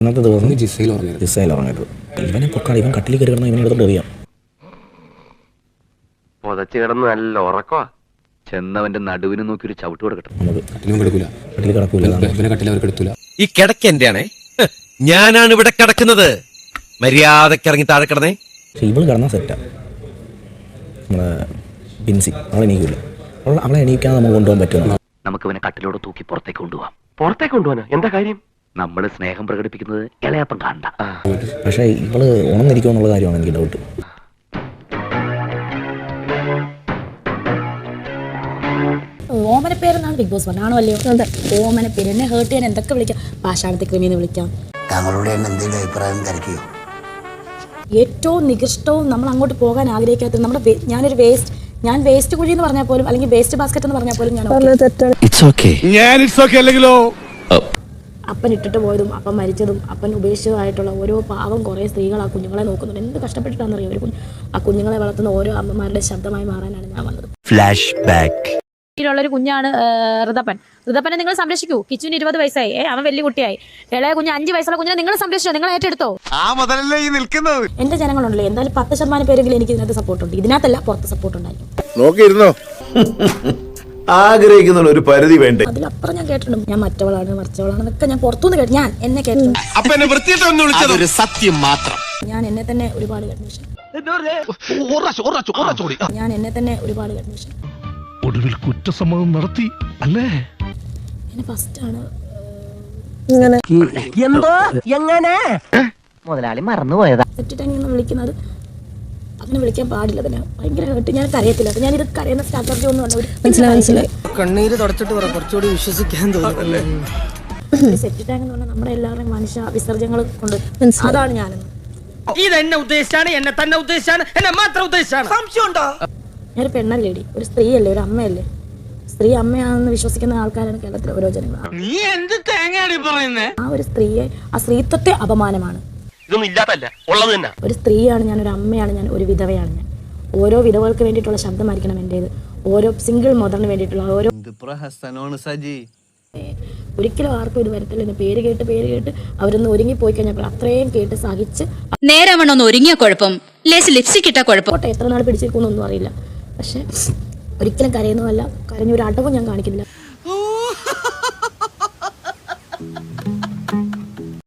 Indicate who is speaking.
Speaker 1: ഇന്നത്തെ ദിവസം ജിസയിൽ ഉറങ്ങരുത്. ഇവനെ പൊക്കാട്, ഇവൻ കട്ടിൽ കയറി കിടന്ന ഇവനെ എടുത്തോണ്ട് എറിയാം.
Speaker 2: പൊതച്ച് കിടന്ന് നല്ല ഉറക്കവാ. ചെന്നവന്റെ നടുവിന് നോക്കി ഒരു ചവിട്ട് കൊടുക്കട്ടെ.
Speaker 1: കട്ടിൽ കിടക്കൂല.
Speaker 3: ഈ കിടക്ക എന്റെയാണേ, ഞാനാണ് ഇവിടെ കിടക്കുന്നത്. മര്യാദക്ക് ഇറങ്ങി താഴെ കിടന്നേ.
Speaker 1: പക്ഷെ ഇവള് കിടന്നാ സെറ്റാ. നമ്മുടെ ബിൻസി അവളെ എണീക്കില്ല. അവളെ എണീക്കാതെ നമുക്ക് കൊണ്ടുപോകാൻ പറ്റുമോ?
Speaker 2: നമുക്ക് ഇവനെ കട്ടിലോട് തൂക്കി പുറത്തേക്ക് കൊണ്ടുപോവാം. പുറത്തേക്ക് കൊണ്ടുപോകാനോ? എന്താ കാര്യം? നമ്മൾ സ്നേഹം പ്രകടിപ്പിക്കുന്നത് ഇളയപ്പം കാണണ്ട.
Speaker 1: പക്ഷെ ഇവള് ഉണർന്നിരിക്കുമോ എന്നുള്ള കാര്യമാണ് എനിക്ക് ഡൗട്ട്.
Speaker 4: ഓമന പേരെന്നാണ് ബിഗ് ബോസ് പറഞ്ഞാണോ അല്ലയോ? ഓമന പേര് എന്നെ ഹേർട്ട് ചെയ്യാൻ എന്തൊക്കെ വിളിക്കാം. പാഷാണത്തെ ക്രിമിന്ന് വിളിക്കാം.
Speaker 5: താങ്കളുടെ എന്തെങ്കിലും അഭിപ്രായം തിരക്കിയോ?
Speaker 4: ഏറ്റവും നികൃഷ്ടവും നമ്മൾ അങ്ങോട്ട് പോകാൻ ആഗ്രഹിക്കാത്ത നമ്മുടെ ഞാൻ വേസ്റ്റ് കുഴി എന്ന് പറഞ്ഞാൽ പോലും, അല്ലെങ്കിൽ വേസ്റ്റ് ബാസ്ക്കറ്റ് എന്ന് പറഞ്ഞാൽ പോലും അപ്പൻ ഇട്ടിട്ട് പോയതും അപ്പൻ മരിച്ചതും അപ്പൻ ഉപേക്ഷിച്ചതായിട്ടുള്ള ഓരോ പാവം കുറേ സ്ത്രീകൾ ആ കുഞ്ഞുങ്ങളെ നോക്കുന്നുണ്ട്. എന്ത് കഷ്ടപ്പെട്ടിട്ടാണെന്നറിയാം ഒരു ആ കുഞ്ഞുങ്ങളെ വളർത്തുന്ന ഓരോ അമ്മമാരുടെ ശബ്ദമായി മാറാനാണ് ഞാൻ വന്നത്.
Speaker 3: Flash back.
Speaker 6: ുള്ളൊരു കുഞ്ഞാണ് ഋതപ്പനെ നിങ്ങൾ സംരക്ഷിക്കൂ. കിച്ചുവിന് 20 വയസ്സായി, അവൻ വലിയ കുട്ടിയായി. ഇളയ കുഞ്ഞ് 5 വയസ്സുള്ള കുഞ്ഞിനെ നിങ്ങൾ സംരക്ഷിച്ചോ, നിങ്ങൾ ഏറ്റെടുത്തോ. എന്റെ ജനങ്ങളുണ്ടല്ലോ, എന്തായാലും 10% പേരെങ്കിലും എനിക്ക് ഇതിനകത്ത് സപ്പോർട്ടുണ്ട്. ഇതിനകത്തല്ല, പുറത്ത് സപ്പോർട്ട് ഉണ്ടായിരിക്കും.
Speaker 7: ആഗ്രഹിക്കുന്ന ഒരു പരിധി വേണ്ടേ?
Speaker 4: അതിലപ്പുറം ഞാൻ കേട്ടിട്ടുണ്ട്. ഞാൻ മറ്റവളാണെന്നൊക്കെ ഞാൻ പുറത്തുനിന്ന് കേട്ടു. ഞാൻ എന്നെ കേട്ടിട്ടുണ്ട്.
Speaker 3: സത്യം മാത്രം.
Speaker 4: ഞാൻ എന്നെ തന്നെ ഒരുപാട് കേട്ടു.
Speaker 8: ഒടുവിൽ കുറ്റസമ്മതം നടത്തി അല്ലേ?
Speaker 4: എന്നെ ഫസ്റ്റാണ്
Speaker 2: മുതലാളി മറന്നുപോയതാ.
Speaker 4: സെറ്റിട്ടാണ് വിളിക്കുന്നത്. അങ്ങനെ വിളിക്കാൻ പാടില്ല. തന്നെ ഭയങ്കര കേട്ട് ഞാൻ കരയത്തില്ല. ഞാൻ ഇത് കരയുന്ന സ്ട്രാറ്റജി ഒന്നും അല്ല. മനസ്സിലായി.
Speaker 5: കണ്ണീര് തുടച്ചിട്ട് കുറച്ചുകൂടി വിശ്വസിക്കാൻ തോന്നുന്നു.
Speaker 4: സെറ്റിട്ടാങ് എന്ന് പറഞ്ഞാൽ നമ്മുടെ എല്ലാവരുടെയും മനുഷ്യ വിസർജ്യങ്ങൾ കൊണ്ട് അതാണ് ഞാനെന്ന്.
Speaker 5: ഇതെന്നെ ഉദ്ദേശിച്ചാണ്, എന്നെ തന്നെ ഉദ്ദേശിച്ചാണ്, എന്നെ മാത്രം ഉദ്ദേശിച്ചാണ്. സംശയമുണ്ടോ?
Speaker 4: ഞാനൊരു പെണ്ണല്ലേടി, ഒരു സ്ത്രീയല്ലേ, ഒരു അമ്മയല്ലേ. സ്ത്രീ അമ്മയാണെന്ന് വിശ്വസിക്കുന്ന ആൾക്കാരാണ് കേരളത്തിലെ ഓരോ ജനങ്ങൾ. ആ ഒരു സ്ത്രീയെ, ആ സ്ത്രീത്വത്തെ അപമാനമാണ്. ഒരു സ്ത്രീയാണ് ഞാൻ, ഒരു അമ്മയാണ് ഞാൻ, ഒരു വിധവയാണ് ഞാൻ. ഓരോ വിധവകൾക്ക് വേണ്ടിയിട്ടുള്ള ശബ്ദമായിരിക്കണം എന്റേത്. ഓരോ സിംഗിൾ മദറിന് വേണ്ടിയിട്ടുള്ള ഓരോ. ഒരിക്കലും ആർക്കും ഇത് വരത്തില്ല. പേര് കേട്ട് അവരൊന്ന് ഒരുങ്ങിപ്പോയി കഴിഞ്ഞപ്പോൾ അത്രയും കേട്ട് സഹിച്ച്
Speaker 6: നേരവണ്ണൊന്ന് ഒരുങ്ങിയ കുഴപ്പം, ലിപ്സ്റ്റിക് ഇട്ട കുഴപ്പം.
Speaker 4: എത്ര നാൾ പിടിച്ചിരിക്കുന്നൊന്നും അറിയില്ല. പക്ഷെ ഒരിക്കലും കരയുന്നതല്ല, കരഞ്ഞൊരു അടവും ഞാൻ കാണിക്കുന്നില്ല.